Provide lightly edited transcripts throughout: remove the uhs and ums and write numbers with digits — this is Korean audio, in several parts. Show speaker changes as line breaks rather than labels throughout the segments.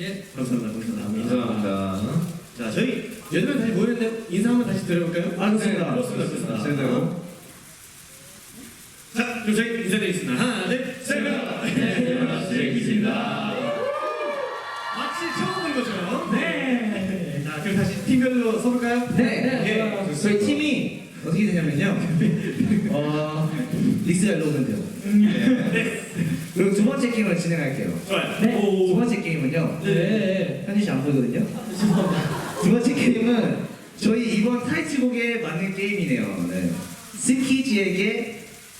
예.
감사합니다.
감사합니다.
자, 저희 8명 다시 모였는데 인사 한번 다시 드려볼까요?
좋습니다.
그렇습니다.
제대로.
자, 그럼 저희 인사드리겠습니다. 하나, 둘, 셋!
안녕하세요.
슬기입니다. 마치 처음 본 것처럼. 네. 자, 그럼 다시 팀별로 서볼까요?
네.
예.
저희 팀이 어떻게 되냐면요. 릭스 잘 넣으면 돼요.
네.
그리고 두 번째 게임을 진행할게요.
좋아요.
네.
두 번째 게임은요.
네.
현진 씨 안 보이거든요.
죄송합니다.
두 번째 게임은 저희 이번 타이틀곡에 맞는 게임이네요. 네. 스키지에게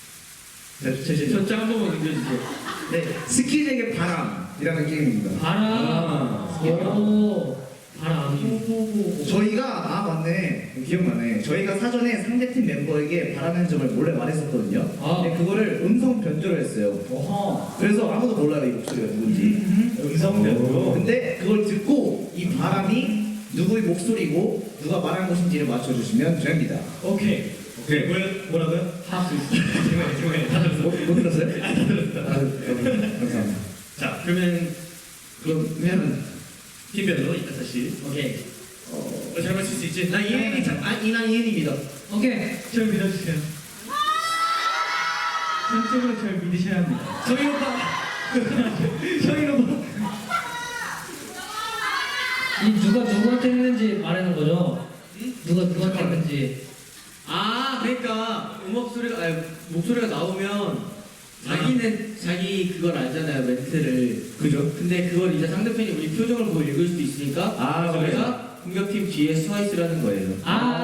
저장 한 번만 넘겨주세요.
네, 스키지에게 바람이라는 게임입니다.
바람. 오. 바람.
저희가 맞네, 기억나네. 저희가 사전에 상대팀 멤버에게 바라는 점을 몰래 말했었거든요. 근데 그거를 음성 변조를 했어요. 그래서 아무도 몰라요, 이 목소리가 누군지.
음성 변조.
근데 그걸 듣고 이 바람이 누구의 목소리고 누가 말한 것인지를 맞춰주시면 됩니다.
오케이. 뭐라고요?
하수.
중간에 다 들었어.
못 들었어요? 다 들었어요. 감사합니다.
자, 그러면
그러면
팀별로 이따 다시.
오케이.
잘 맞출 수 있지?
난 이난이엔입니다.
오케이. 절 믿어주세요. 전적으로 절 믿으셔야 합니다.
정인 오빠. 정인 오빠.
이 누가 누구한테 했는지 말하는 거죠? 누가 누구한테 했는지.
아, 그러니까 목소리가 나오면 자기는 자기 그걸 알잖아요, 멘트를.
그죠?
근데 그걸 이제 상대편이 우리 표정을 보고 읽을 수도 있으니까
아,
저희가 공격팀 뒤에 서 있으라는 거예요.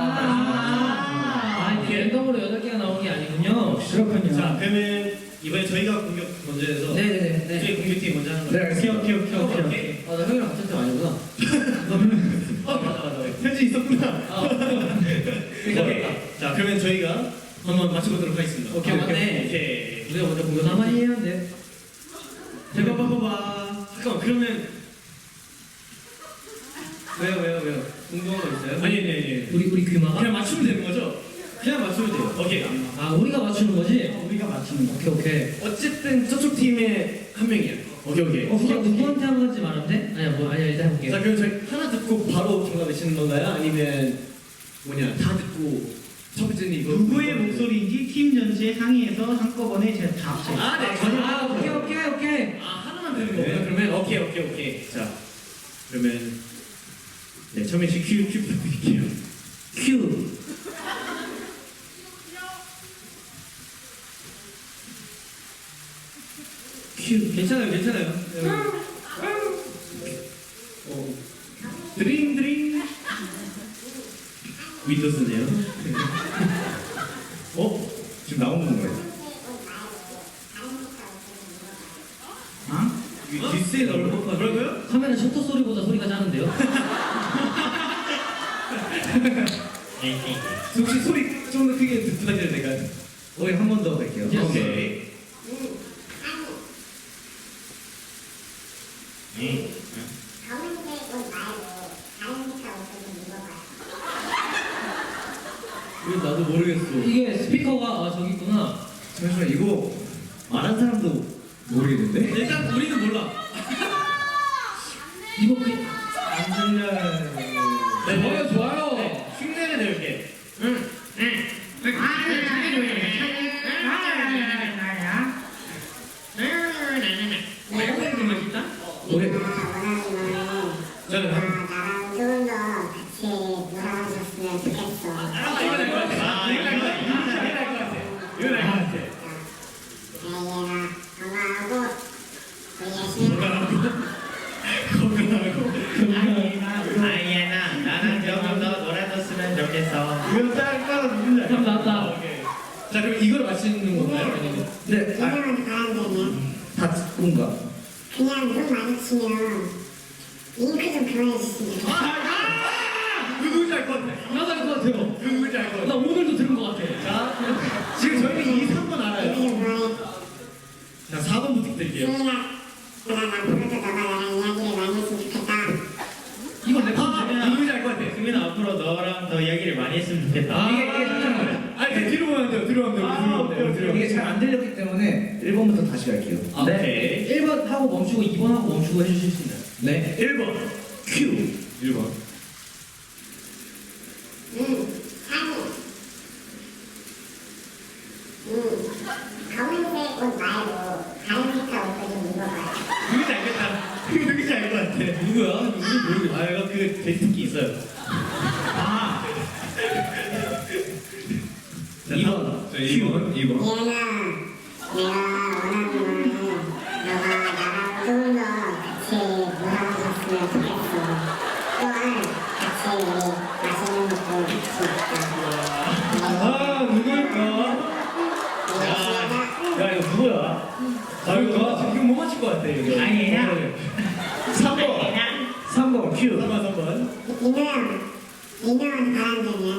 이게 랜덤으로 8개가 나오는 게 아니군요. 그렇군요.
자, 그러면 이번에 저희가 공격 먼저 해서
네네네.
저희 공격팀 먼저 하는
네,
거예요.
알겠습니다.
오케이.
나 형이랑 같은 팀 아니구나.
맞아. 현지 있었구나. 오케이. 자, 그러면 저희가 한번 맞춰보도록 하겠습니다.
오케이, 맞네.
오케이.
우리가 먼저 공격.
가만히 해야 돼.
봐봐. 잠깐만, 그러면
왜요? 궁금한 거 있어요?
아니.
우리 귀마가?
그냥 맞추면 되는 거죠? 그냥 맞추면 돼요. 오케이.
우리가 맞추는 거지?
우리가 맞추는 거.
오케이.
어쨌든 저쪽 팀의 한 명이야. 오케이.
누구한테 한 건지 말하면 돼? 아니야 일단 해볼게.
자, 그럼 저희 하나 듣고 바로 정답 외치는 건가요? 아니면 다 듣고 첫 번째는 이거
누구의 목소리인지 팀 전체에 상의해서 한꺼번에 제가 다 합쳐요.
오케이.
하나만 되는 거구나. 그러면 오케이. 자, 그러면 네, 처음에 큐 부탁드릴게요.
큐.
괜찮아요.
드링. 윈도우스네요.
지금 나오는 건가요?
뒷세 넓은 거 뭐라고요?
카메라 셔터 소리보다 소리가 작은데요?
혹시 소리 좀 더 크게 부탁드려도 될까요?
우리 한 번 더 할게요.
오케이.
검은색 옷 말고 다른 색깔 옷을 좀 입어봐요.
이거 나도 모르겠어.
이게 스피커가 저기 있구나.
잠시만, 이거 말한 사람도 모르겠는데?
일단 우리는 몰라.
이거
안 들려요.
좋아요.
네, 흉내를 낼게.
노래.
저는
나랑 좀 더 같이 놀아줬으면 좋겠어.
이거 날것 같아.
아이애나 건강하고 우리 열심히
아이애나 나랑 좀 더 놀아줬으면 좋겠어.
이거 따라 누군지
참 나왔다.
오케이. 자, 그럼 이걸 맞히는 건가요? 아니면
네,
이름은 바람되네.
다 듣고인가?
그냥 눈 마주치면 잉크 좀 그만해주시면 좋겠어.
누군지 알 것 같아.
나도 알 것 같아요.
누군지 알 것 같아.
나 오늘도 들은 것 같아.
자, 지금 저희는 2, 3번 알아요.
잉크 좀 그만해.
자, 4번 부탁드릴게요.
승인아, 그날 앞으로도 너가 나랑 이야기를 많이 했으면 좋겠다.
이건 내 콘텐츠야.
누군지 알 것 같아.
승민아 앞으로 너랑 더 이야기를 많이 했으면 좋겠다.
이게 잠깐만. 아니, 뒤로 가면 돼요. 뒤로 가면 돼요.
이게 잘 안 들렸기 때문에 1번부터 다시 갈게요.
아, 네. 1번 하고 멈추고 2번 하고 멈추고 해주실 수 있나요?
네.
1번 큐 1번
상의. 검은색 옷 말고 다른 색깔 옷도 좀 입어봐요.
누군지 알겠다. 이거 누군지 알 것 같아.
누구야? 누군지 모르겠어.
아 이거 그 데이트기 있어요.
아.
자,
2번.
자, 2번
얘는 내가 원하는 거는 너가 나랑 조금 더 같이 놀아줬으면 좋겠어. 또한 같이 우리 맛있는 것도 같이 먹자.
아 누굴까? 야 이거 누구야? 아 이거 지금 못 맞힐 것 같아 이거.
아니야.
3번 3번 큐 3번
민호는 바람둥이야.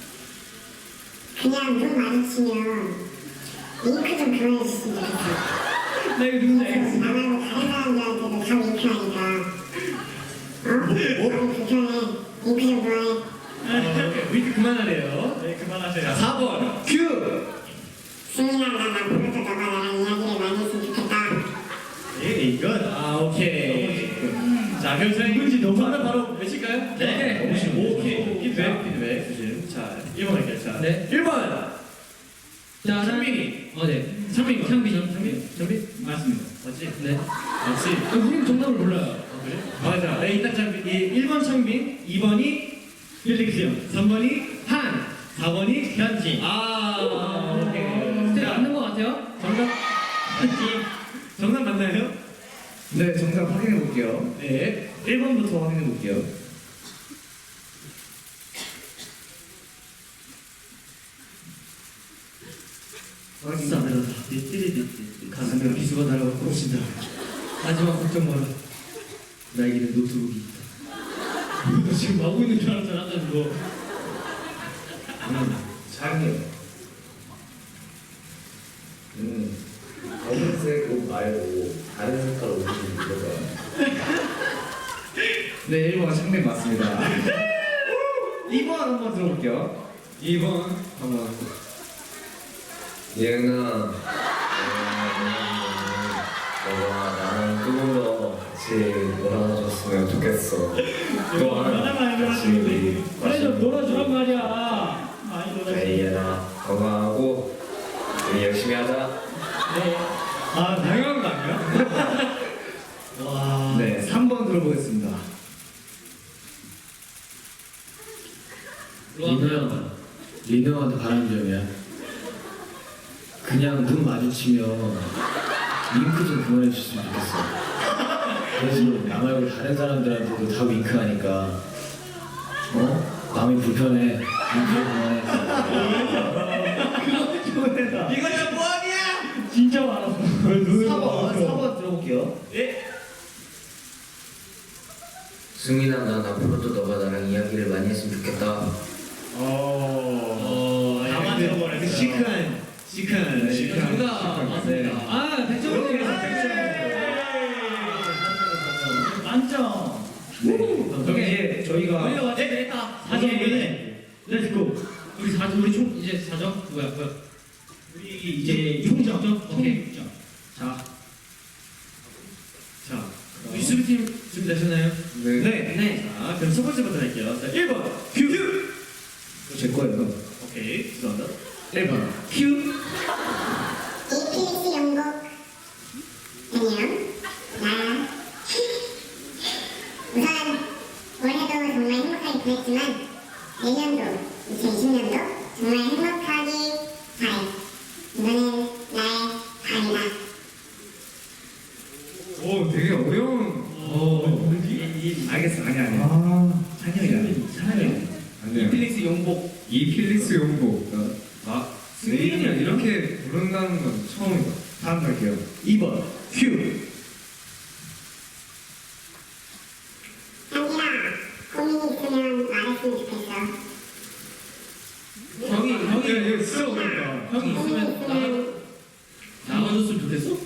그냥 눈 마주치면 윙크 좀 그만해줬으면 좋겠어.
나 이거 누군지 알겠어.
나하고 다른 사람들한테도 다 윙크하니까 마음이 불편해. 윙크 좀 그만해.
위트 그만하래요. 네 그만하세요. 4번 큐
승민아 난 앞으로도 너가 나랑 이야기를 많이 했으면 좋겠다.
예, 이건 아 오케이. 자 그럼 저희 누군지 정답 바로 외칠까요?
네.
오케이 피드백 주심. 자 1번 할게요. 자
네.
1번
자,
창빈이.
네. 창빈.
창빈
맞습니다.
맞지?
네.
맞지?
우리는 정답을 몰라요.
그래? 맞아. 네 일단 창빈 1번 창빈 2번이 필릭스 형 3번이 한 4번이 현지. 아 오케이.
근데 맞는 것 같아요?
정답 맞지? 정답 맞나요?
네, 정답 확인해 볼게요.
네.
1번부터 확인해 볼게요.
진짜 안 되다. 가슴에 비수가 날아가 꽂힌다. 하지만 걱정 마라. 나에게는 노트북이 있다. 너 지금 하고 있는 줄 알았잖아, 아까 그거.
장이요. 검은색 옷 말고 다른 색깔 옷을 입어봐요. 네, 1번 창빈 맞습니다. 2번 한번 들어볼게요.
2번
한번.
예은아, 너가 나랑 조금 더 같이 놀아줬으면 좋겠어. 또한 같이 우리
그래 좀 놀아주란 말이야.
많이 놀아주세요.
그래, 예은아, 건강하고 우리 열심히 하자.
네.
아 당연한 거 아니야?
와.
네, 3번 들어보겠습니다.
리노 형한테 바라는 점이야. 그냥 눈 마주치면 윙크 좀 그만해 줬으면 좋겠어. 그래서 나 말고 다른 사람들한테도 다 윙크하니까 마음이 불편해. 윙크 그만해.
이거 좀 뭐하냐?
진짜 많아.
4번 들어볼게요.
예.
승민아, 난 앞으로도 너가 나랑 이야기를 많이 했으면 좋겠다.
다 맞춰버렸어. 시크한.
누가 맞습니다. 아, 100점 드리겠습니다. 100점. 만점.
네. 그럼 이제 저희가
우리가 맞춰야 되겠다. 4점이네. 렛츠고. 우리 4점, 우리 총 이제 4점? 뭐야?
우리 이제 총점.
오케이.
자,
자, 우리 수비팀 준비되셨나요?
네.
네.
자, 그럼 첫 번째부터 할게요. 자, 1번 큐.
제 거예요.
오케이, 죄송합니다.
1번 큐.
APS 영국. 안녕. 나. 우선 올해도 정말 행복하게 보냈지만 내년도 2020년도 정말 행복하게 잘. 이거는 나의 바람이다.
오, 되게 어려운.
알겠어. 아니야. 찬영이야.
이필릭스 용복.
이필리스 용복.
아, 승민이랑 이렇게 부른다는 건 처음이다.
다음 갈게요. 2번 큐.
한기라, 고민이 있으면 말했으면 좋겠어.
형이 진짜 어렵다.
형이 있으면 나가줬으면 좋겠어?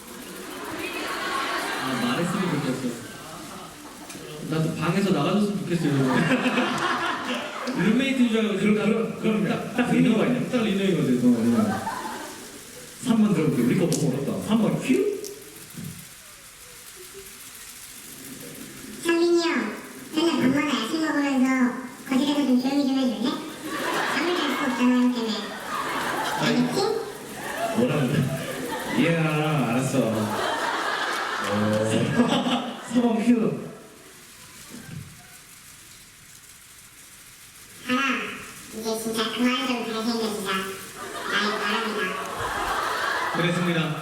아, 말했으면 좋겠어. 나도 방에서 나가줬으면 좋겠어요. 룸메이트인 줄 알고
그럼
딱 리노가 있냐? 딱 리노이거든.
3번 들어볼게요. 우리 거 너무 어렵다. 3번 큐?
상민이 형, 맨날 밤마다 야식 먹으면서 거실에서 좀 조용히 좀 해줄래? 잠을 잘 수 없잖아, 형 때문에. 알겠지?
뭐라는데? 이해가 알았어. 4번 큐.
하나, 이제 진짜 그만 좀 잘생겨지자. 나의 바람이다.
그랬습니다.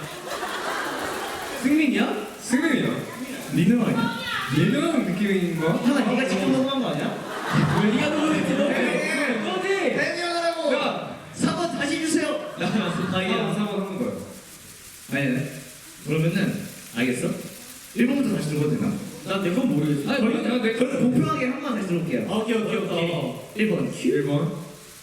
승민이야? 승민이야?
민우 아니야?
예능하는 느낌인 거야?
하나 네가 직접 넘어간 거 아니야?
왜 네가 누구였지? 너지?
해명하라고!
야!
4번 다시 주세요!
나 스파이야. 4번 하는 거야.
아니, 그러면은 알겠어? 1번부터 다시 들어봐도 되나?
난 내 건 모르겠어. 아니,
저는 공평하게 한 번 다시 들어볼게요.
오케이.
1번 큐.
1번.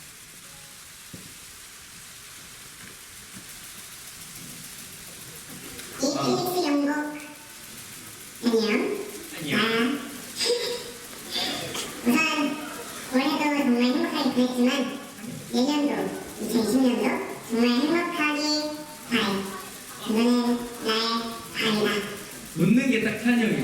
이피닉스 영국. 안녕. 나야. 우선 올해도 정말 행복하게 보냈지만 내년도 2020년도 정말 행복하게 바래. 이번엔 나의 바이다.
웃는 게 딱 찬영이.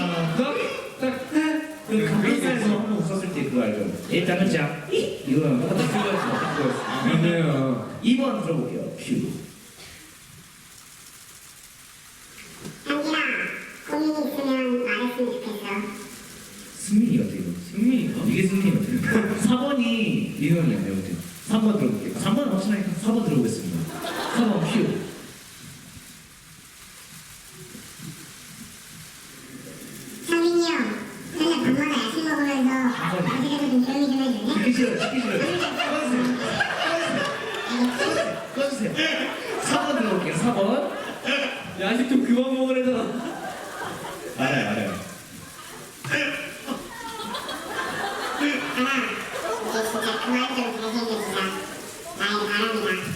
그 가비사에서 한 번 웃었을 때 그거 알죠? 일단은 자 이거랑 똑같은 그거였어.
맞네요.
2번 들어볼게요. 큐.
상진아, 고민이 있으면 말했으면 좋겠어.
승민이 같아 이거.
승민이가?
이게 승민이 같아. 4번이 이형이야 내가 볼 때. 3번 들어볼게요. 3번 확실하니까 4번 들어보겠습니다. 4번 큐.
상민이 형, 맨날 밤마다 야식 먹으면서 거실에서 좀 조용히 좀 해줄래?
듣기 싫어요. 듣기 싫어요. 꺼주세요. 4번 들어볼게요. 4번.
야식 좀 그만 먹으래잖아.
알아요.
하나, 이제 진짜 그만 좀 잘생겨지자. 나의 바람이다.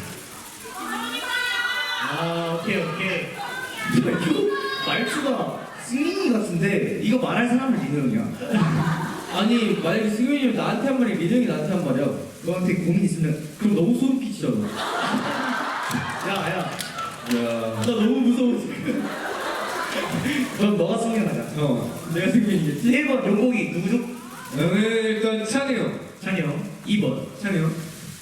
아, 오케이. 이거 말투가 승민이 같은데 이거 말할 사람은 민우 형이야.
아니, 만약에 승민이 나한테 한 말이 민영이 나한테 한 말이야.
너한테 고민 있으면
그럼 너무 소름 끼치잖아.
야.
나 너무 무서워 지금.
그럼 너가 승민하자.
내가 승민이겠지?
1번 용복이 누구죠?
일단 찬이 형.
찬이 형. 2번.
찬이 형.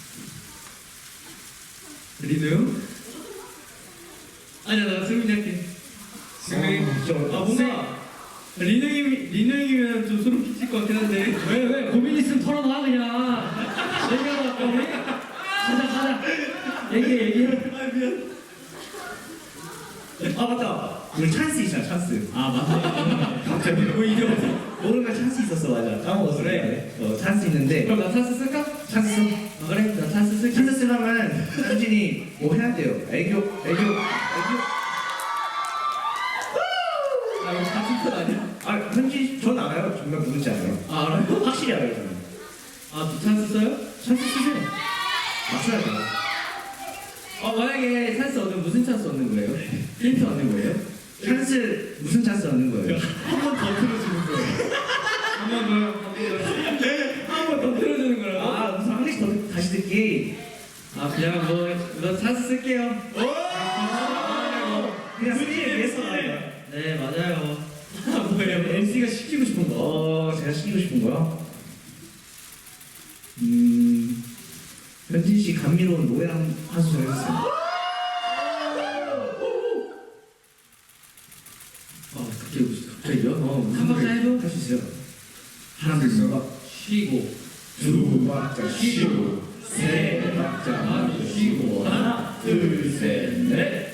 리노 형? 아니야, 나 승민이 할게. 승민이? 뭔가 리노형이면 좀 소름 끼칠 것 같긴 한데. 왜? 고민 있으면 털어놔 그냥. 얘기하다 우리. 가자. 얘기해. 아, 미안.
아 맞다. 우리 찬스 있잖아 찬스.
아, 맞네.
갑자기 뭐 이게 모르는 찬스 있었어 맞아. 까먹었어.
그래.
찬스 있는데.
그럼 나 찬스 쓸까?
찬스 써.
아, 그래, 나 찬스 쓸게.
찬스 쓰려면 현진이 뭐 해야 돼요? 애교.
아, 이거 같은 편 아니야?
아 현진 전 알아요. 정말 누군지 알아요.
아, 알아요?
확실히 알아요 저는.
아, 또 찬스 써요?
찬스 쓰세요. 맞춰야 돼요.
만약에 찬스 얻으면 무슨 찬스 얻는 거예요? 힌트 얻는 거예요?
찬스 무슨 찬스 얻는 거예요?
한 번 더 틀어주는 거예요. 한 번 더요? 한 번 더 틀어주는 거라고?
아 무슨 한 개씩 더 다시 듣기.
그냥 너 찬스 쓸게요.
그냥 승리에 위해서 나요.
네, 맞아요. 뭐예요? MC가 시키고 싶은 거.
제가 시키고 싶은 거요? 현진 씨 감미로운 노래 한 소절 해주세요.
갑자기요? 한 박자 해줘?
할 수 있어요. 하나 둘 셋.
쉬고.
두 박자 쉬고 세 박자 쉬고 하나 둘 셋 넷.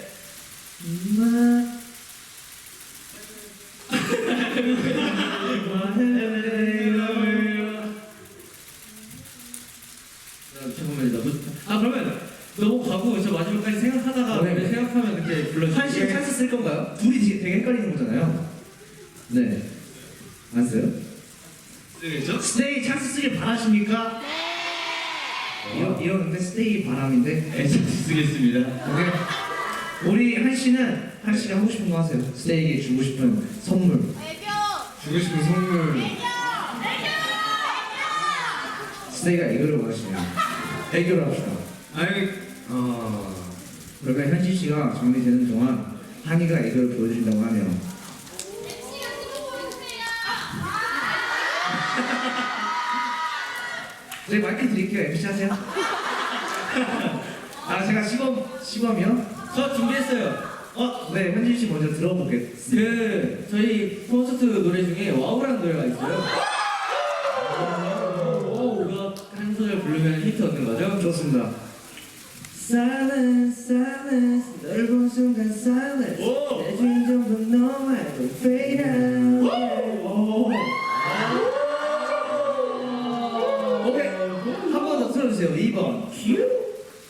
그러면 넘어가고 저 마지막까지 생각하다가
네.
생각하면 그때 불러주세요.
한식 찬스 쓸 건가요? 둘이 되게 헷갈리는 거잖아요. 네. 안 써요?
쓰겠죠?
스테이 찬스 쓰길 바라십니까? 네. 이러는데 스테이 바람인데.
네, 찬스 쓰겠습니다.
오케이. 우리 한 씨가 하고 싶은 거 하세요. 스테이에게 주고 싶은 선물.
주고 싶은 선물.
스테이가 애교를 원하시네요. 애교를 합시다.
아니,
그러면 현진 씨가 정리되는 동안 한이가 애교를 보여드린다고 하네요. 저희 마이크 드릴게요. MC 하세요. 아 제가 시범이요?
저 준비했어요.
네 현진 씨 먼저 들어보겠습니다.
저희 콘서트 노래 중에 와우라는 노래가 있어요. 그거 한 소절 부르면 히트 얻는 거죠?
좋습니다.
Silence, silence, 널 본 순간 silence. 내 주인공도 너 말고 fade out.
오케이 한 번 더 틀어주세요. 2번 큐.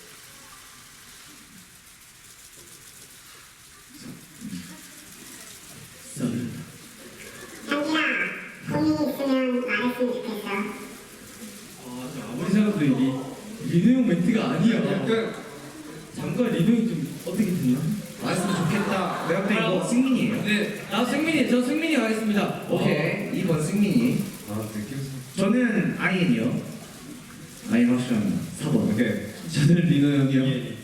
현진아, 고민 있으면 말했으면 좋겠어.
아무리 생각해도 이게 리노 형 멘트가 아니야. 약간 잠깐 리노 형좀 어떻게 듣나?
말했으면 좋겠다. 내가 볼때 이거 승민이에요.
네, 저 승민이 가겠습니다.
오케이 2번 승민이. 저는 아이엔이요. 아이엔 확실합니다. 4번.
오케이.
저는 리노 형이요.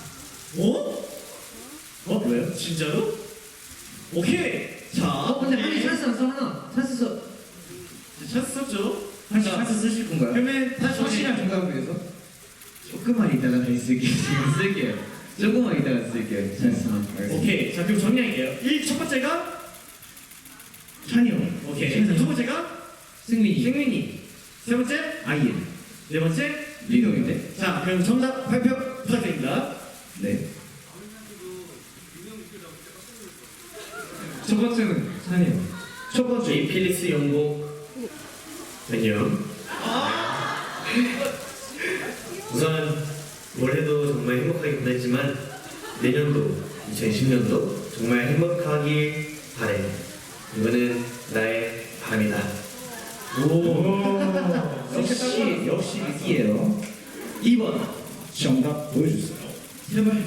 왜요?
진짜로? 오케이. 자,
근데 한이 찬스 안 써, 하나. 찬스 써.
찬스 썼죠?
한시 찬스 쓰실 건가요?
그러면 다시
확실한 정답을 위해서?
조금만 이따가 다시 쓸게요. 지금 쓸게요. 조금만 이따가 쓸게요. 찬스만.
오케이. 자, 그럼 정리할게요. 첫 번째가
찬이요.
오케이. 두 번째가 승민이. 세 번째
아이엔.
네 번째
리노인데?
자, 그럼 정답 발표 부탁드립니다.
네.
첫 번째는 찬이요.
첫 번째.
필리스 영복 안녕. 우선 올해도 정말 행복하게 보냈지만 내년도 2010년도 정말 행복하길 바래. 이거는 나의 바람이다.
역시 위기예요. 2번 정답 보여주세요.
제발.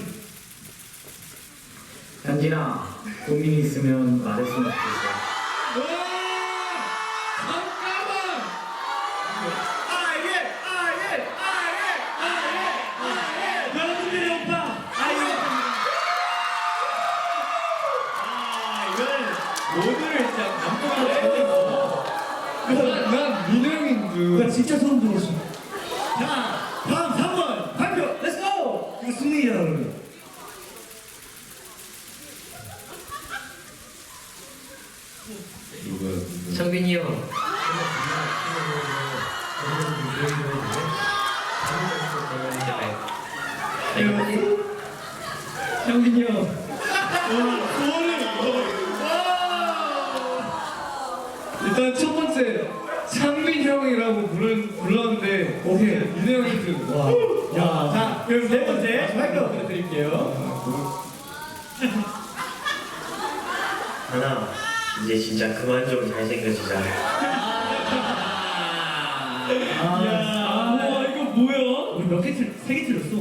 현진아, 고민이 있으면 말했으면 좋겠어.
여러분들의 오빠. 모두를 진짜 감동하고
난 민호 형인 줄.
나 진짜 소름 돋았어.
자, 다음 3번 발표. Let's go.
이거 승민이야 그러면.
창빈이 형.
형빈이 형.
일단 첫 번째 창빈 형이라고 불렀는데
오케이.
민호 형인 줄.
와. 야.
자, 그럼 네 번째 발표 부탁드릴게요.
하나 이제 진짜 그만 좀 잘생겨지자.
와, 이거 뭐야? 우리 몇 개 틀? 3개 틀렸어.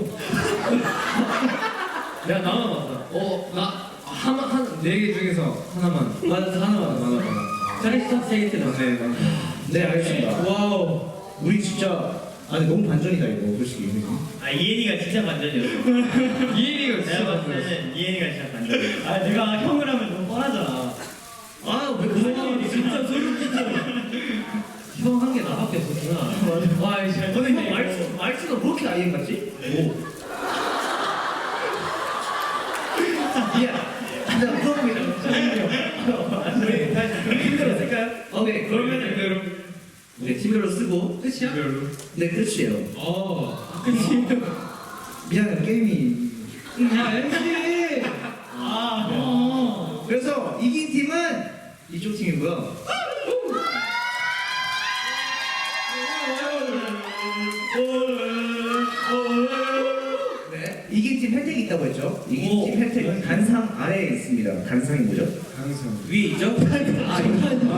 야, 나만 맞다.
네 개 중에서 하나만.
맞아, 하나만. 잘했어, 3개 틀렸어.
네 알겠습니다.
와우.
우리 진짜 아니 너무 반전이다 이거 솔직히. 그지?
이엔이가 진짜 반전이었어.
이인이가
내가
진짜
봤을
많았어.
때는 이엔이가 진짜 반전이었어.
내가 형을 하면 너무 뻔하잖아. 왜 그거 진짜 소름 끼쳐. 형 한 게 나밖에 없었구나. 와, 이제
근데 형 말투가 왜 이렇게 아이엔 같지? 미안. 내가 물어보기로
우리 다시 팀별로 쓸까요?
오케이
그러면은
네 팀별로 쓰고
끝이야?
네 끝이에요.
끝이.
미안해 게임이.
야, MC.
그래서 이긴 팀은 이쪽 팀이고요. 네, 이긴 팀 혜택이 있다고 했죠. 이긴 팀 혜택은 간상 아래에 있습니다. 간상이 뭐죠?
항상.
위에 있죠?
아 이거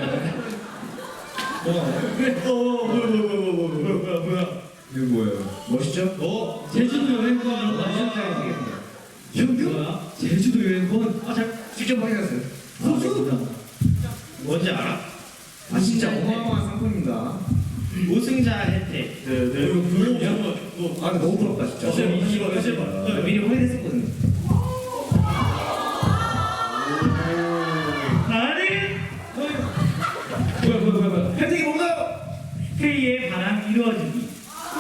뭐야?
이거 뭐예요?
멋있죠?
제주도 여행권 맞아? 뭐야? 제주도 여행권?
직접 확인하세요.
소주?
뭔지 알아?
아 진짜 어마어마한 상품입니다.
우승자 혜택.
그거
아 근데 너무 부럽다 진짜.
사실 봐.
미리 확인했었거든요.
아니
뭐야.
혜택이 뭔가요?
K의 바람 이루어지기.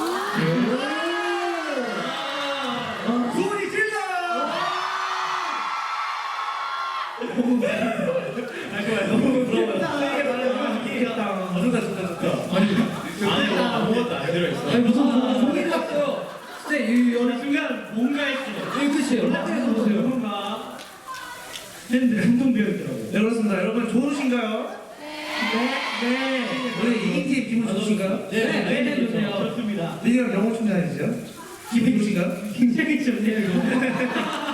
소리 질러!
너무 부러워요.
좋다.
아니 아무것도 안 들어있어.
아니 무슨 소리를 났어요. 진짜 이
어느 순간 뭔가 했어.
이 끝이에요.
올라가서 보세요. 뭔가 팬들 한동 배웠더라고.
네, 그렇습니다. 여러분 좋으신가요?
네.
오늘 이긴 팀 기분 좋으신가요?
네, 해주세요. 좋습니다.
리니랑 영어 충전해주세요. 기분 좋으신가요?
굉장히 좋네요, 이거.